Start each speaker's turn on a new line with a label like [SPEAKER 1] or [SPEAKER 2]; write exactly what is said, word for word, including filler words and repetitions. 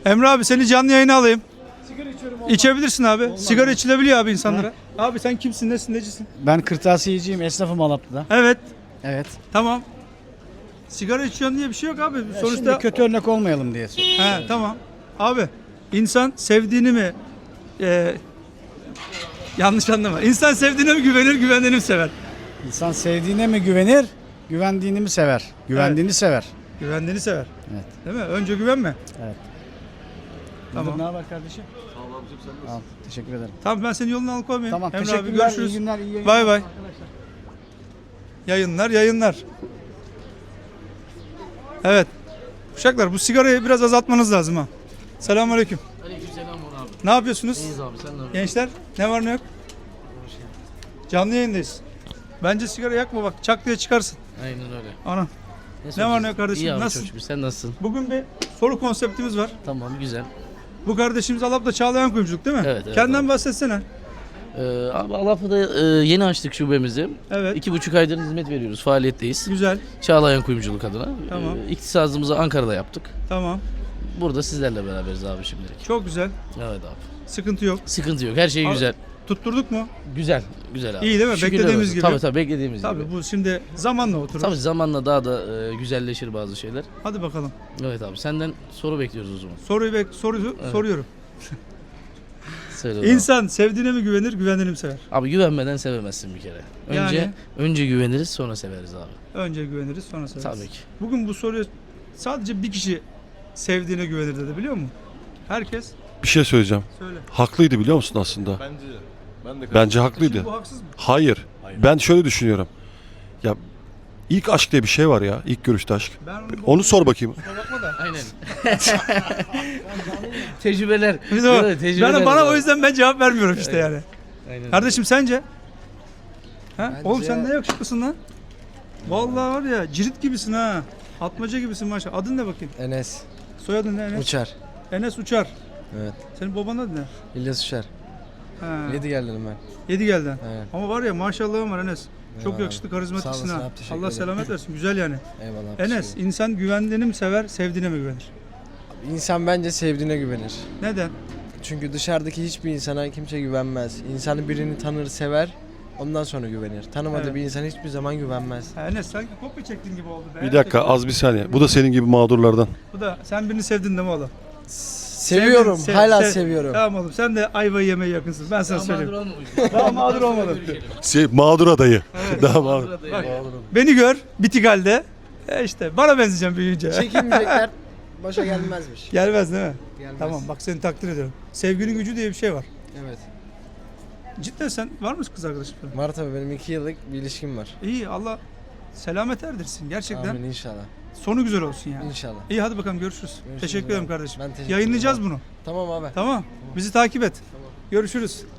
[SPEAKER 1] Emre abi seni canlı yayına alayım. Sigara içiyorum. İçebilirsin abi. Olmaz Sigara mı? İçilebiliyor abi insanlara. Ha? Abi sen kimsin, nesin, necisin?
[SPEAKER 2] Ben kırtasiyeciyim, esnafım Alaplı'da.
[SPEAKER 1] Evet.
[SPEAKER 2] Evet.
[SPEAKER 1] Tamam. Sigara içiyorsun diye bir şey yok abi.
[SPEAKER 2] Ya
[SPEAKER 1] Sonuçta
[SPEAKER 2] şimdi kötü örnek olmayalım diye.
[SPEAKER 1] He, tamam. Abi insan sevdiğini mi e, yanlış anlama. İnsan sevdiğine mi güvenir, güvendiğini mi sever?
[SPEAKER 2] İnsan sevdiğine mi güvenir, güvendiğini mi sever? Güvendiğini
[SPEAKER 1] Evet.
[SPEAKER 2] sever.
[SPEAKER 1] Güvendiğini sever.
[SPEAKER 2] Evet.
[SPEAKER 1] Değil mi? Önce güvenme.
[SPEAKER 2] Evet.
[SPEAKER 1] Tamam.
[SPEAKER 2] Ne haber kardeşim? Sağ ol abicim, sen nasılsın? Teşekkür ederim.
[SPEAKER 1] Tamam ben senin yolunu alıkoymayayım.
[SPEAKER 2] Tamam,
[SPEAKER 1] Emre abi
[SPEAKER 2] teşekkürler.
[SPEAKER 1] görüşürüz.
[SPEAKER 2] İyi günler, iyi yayınlar.
[SPEAKER 1] Bay bay.
[SPEAKER 2] Arkadaşlar.
[SPEAKER 1] Yayınlar, yayınlar. Evet. Uşaklar bu sigarayı biraz azaltmanız lazım ha. Selamünaleyküm.
[SPEAKER 3] Aleykümselam abi.
[SPEAKER 1] Ne yapıyorsunuz?
[SPEAKER 3] İyiyiz abi, sen ne yapıyorsun?
[SPEAKER 1] Gençler ne var ne yok? Canlı yayındayız. Bence sigara yakma bak, çak diye çıkarsın.
[SPEAKER 3] Aynen öyle.
[SPEAKER 1] Ana.
[SPEAKER 3] Ne
[SPEAKER 1] var ne yok kardeşim,
[SPEAKER 3] İyi abi,
[SPEAKER 1] nasılsın?
[SPEAKER 3] çok şükür. Sen nasılsın?
[SPEAKER 1] Bugün bir soru konseptimiz var.
[SPEAKER 3] Tamam, güzel.
[SPEAKER 1] Bu kardeşimiz Alap'ta Çağlayan Kuyumculuk değil mi?
[SPEAKER 3] Evet, evet,
[SPEAKER 1] Kendinden
[SPEAKER 3] abi.
[SPEAKER 1] bahsetsene.
[SPEAKER 3] Ee, abi Alap'ta e, yeni açtık şubemizi.
[SPEAKER 1] Evet.
[SPEAKER 3] İki buçuk aydır hizmet veriyoruz, faaliyetteyiz.
[SPEAKER 1] Güzel.
[SPEAKER 3] Çağlayan Kuyumculuk adına.
[SPEAKER 1] Tamam.
[SPEAKER 3] Ee, iktisazımızı Ankara'da yaptık.
[SPEAKER 1] Tamam.
[SPEAKER 3] Burada sizlerle beraberiz abi şimdilik.
[SPEAKER 1] Çok güzel.
[SPEAKER 3] Evet abi.
[SPEAKER 1] Sıkıntı yok.
[SPEAKER 3] Sıkıntı yok, her şey
[SPEAKER 1] Abi,
[SPEAKER 3] güzel.
[SPEAKER 1] Tutturduk mu?
[SPEAKER 3] Güzel, güzel abi.
[SPEAKER 1] İyi değil mi?
[SPEAKER 3] Şükürler
[SPEAKER 1] Beklediğimiz
[SPEAKER 3] olsun.
[SPEAKER 1] gibi.
[SPEAKER 3] Tabii tabii, beklediğimiz
[SPEAKER 1] Tabii
[SPEAKER 3] gibi.
[SPEAKER 1] bu şimdi zamanla oturur.
[SPEAKER 3] Tabii zamanla daha da e, güzelleşir bazı şeyler.
[SPEAKER 1] Hadi bakalım.
[SPEAKER 3] Evet abi, senden soru bekliyoruz o zaman.
[SPEAKER 1] Soruyu bek soruyu
[SPEAKER 3] Evet.
[SPEAKER 1] soruyorum.
[SPEAKER 3] Söyle o zaman.
[SPEAKER 1] İnsan sevdiğine mi güvenir, güvendiğini mi sever?
[SPEAKER 3] Abi güvenmeden sevemezsin bir kere. Önce
[SPEAKER 1] Yani?
[SPEAKER 3] önce güveniriz, sonra severiz abi.
[SPEAKER 1] Önce güveniriz, sonra severiz.
[SPEAKER 3] Tabii ki.
[SPEAKER 1] Bugün bu soruyu sadece bir kişi sevdiğine güvenir dedi, biliyor musun? Herkes
[SPEAKER 4] Bir şey söyleyeceğim.
[SPEAKER 1] söyle.
[SPEAKER 4] Haklıydı biliyor musun aslında?
[SPEAKER 5] Bence ben de
[SPEAKER 4] Bence haklıydı.
[SPEAKER 1] Şimdi bu haksız mı?
[SPEAKER 4] Hayır. Ben şöyle düşünüyorum. Ya ilk aşk diye bir şey var ya. İlk görüşte aşk.
[SPEAKER 1] Ben onu,
[SPEAKER 4] Onu sor bakayım.
[SPEAKER 1] Kusura bakma da.
[SPEAKER 3] Aynen. Tecrübeler.
[SPEAKER 1] Bir de bak,
[SPEAKER 3] Evet, tecrübeler
[SPEAKER 1] ben, bana
[SPEAKER 3] var.
[SPEAKER 1] o yüzden ben cevap vermiyorum işte
[SPEAKER 3] Evet.
[SPEAKER 1] yani.
[SPEAKER 3] Aynen.
[SPEAKER 1] Kardeşim sence? Ha?
[SPEAKER 6] Bence-
[SPEAKER 1] Oğlum sen ne yakışıklısın lan? Vallahi var ya cirit gibisin ha. Atmaca gibisin maşallah. Adın ne bakayım?
[SPEAKER 6] Enes
[SPEAKER 1] Soyadın ne Enes?
[SPEAKER 6] Uçar.
[SPEAKER 1] Enes Uçar.
[SPEAKER 6] Evet.
[SPEAKER 1] Senin babanın adı ne?
[SPEAKER 6] İlyas Uçar.
[SPEAKER 1] Ha.
[SPEAKER 6] Yedi geldim ben.
[SPEAKER 1] Yedi geldi.
[SPEAKER 6] Evet.
[SPEAKER 1] Ama var ya maşallahın var Enes. Çok
[SPEAKER 6] Eyvallah.
[SPEAKER 1] yakışıklı, karizmatiksin
[SPEAKER 6] Sağ olasın
[SPEAKER 1] ha.
[SPEAKER 6] abi, teşekkür
[SPEAKER 1] Allah
[SPEAKER 6] ederim.
[SPEAKER 1] selamet versin. Güzel yani.
[SPEAKER 6] Eyvallah.
[SPEAKER 1] Enes,
[SPEAKER 6] teşekkür
[SPEAKER 1] insan güvendiğini mi sever, sevdiğine mi güvenir?
[SPEAKER 6] ederim. İnsan bence sevdiğine güvenir.
[SPEAKER 1] Neden?
[SPEAKER 6] Çünkü dışarıdaki hiçbir insana kimse güvenmez. İnsanı birini tanır, sever. Ondan sonra güvenir. Tanımadığı
[SPEAKER 1] Evet.
[SPEAKER 6] bir insan hiçbir zaman güvenmez.
[SPEAKER 1] Ha, Enes sanki kopya çektiğin gibi oldu. be.
[SPEAKER 4] Bir dakika az bir saniye. Bu da senin gibi mağdurlardan.
[SPEAKER 1] Bu da sen birini sevdin değil mi oğlum?
[SPEAKER 6] Seviyorum.
[SPEAKER 1] Sevdin, sev-
[SPEAKER 6] hala
[SPEAKER 1] sev-
[SPEAKER 6] seviyorum.
[SPEAKER 1] Tamam oğlum sen de ayvayı yemeye yakınsın. Ben sana söyleyeyim.
[SPEAKER 3] olmamış.
[SPEAKER 1] Daha mağdur olmadın.
[SPEAKER 4] Şey, mağdur adayı. Daha mağdur.
[SPEAKER 1] Bak, beni gör bitik halde. E işte bana benzeyeceğim büyüyünce.
[SPEAKER 6] Çekilmeyecekler başa gelmezmiş.
[SPEAKER 1] Gelmez değil mi?
[SPEAKER 6] Gelmez.
[SPEAKER 1] Tamam bak seni takdir ediyorum. Sevginin gücü diye bir şey var.
[SPEAKER 6] Evet.
[SPEAKER 1] Cidden sen var mısın kız arkadaşın?
[SPEAKER 6] Var tabii, benim iki yıllık bir ilişkim var.
[SPEAKER 1] İyi Allah selamet erdirsin gerçekten.
[SPEAKER 6] Amin inşallah.
[SPEAKER 1] Sonu güzel olsun yani.
[SPEAKER 6] İnşallah.
[SPEAKER 1] İyi hadi bakalım görüşürüz.
[SPEAKER 6] Görüşürüz
[SPEAKER 1] teşekkür
[SPEAKER 6] abi.
[SPEAKER 1] ederim kardeşim.
[SPEAKER 6] Ben teşekkür
[SPEAKER 1] Yayınlayacağız
[SPEAKER 6] ederim
[SPEAKER 1] bunu.
[SPEAKER 6] Tamam abi.
[SPEAKER 1] Tamam. Bizi takip et. Görüşürüz.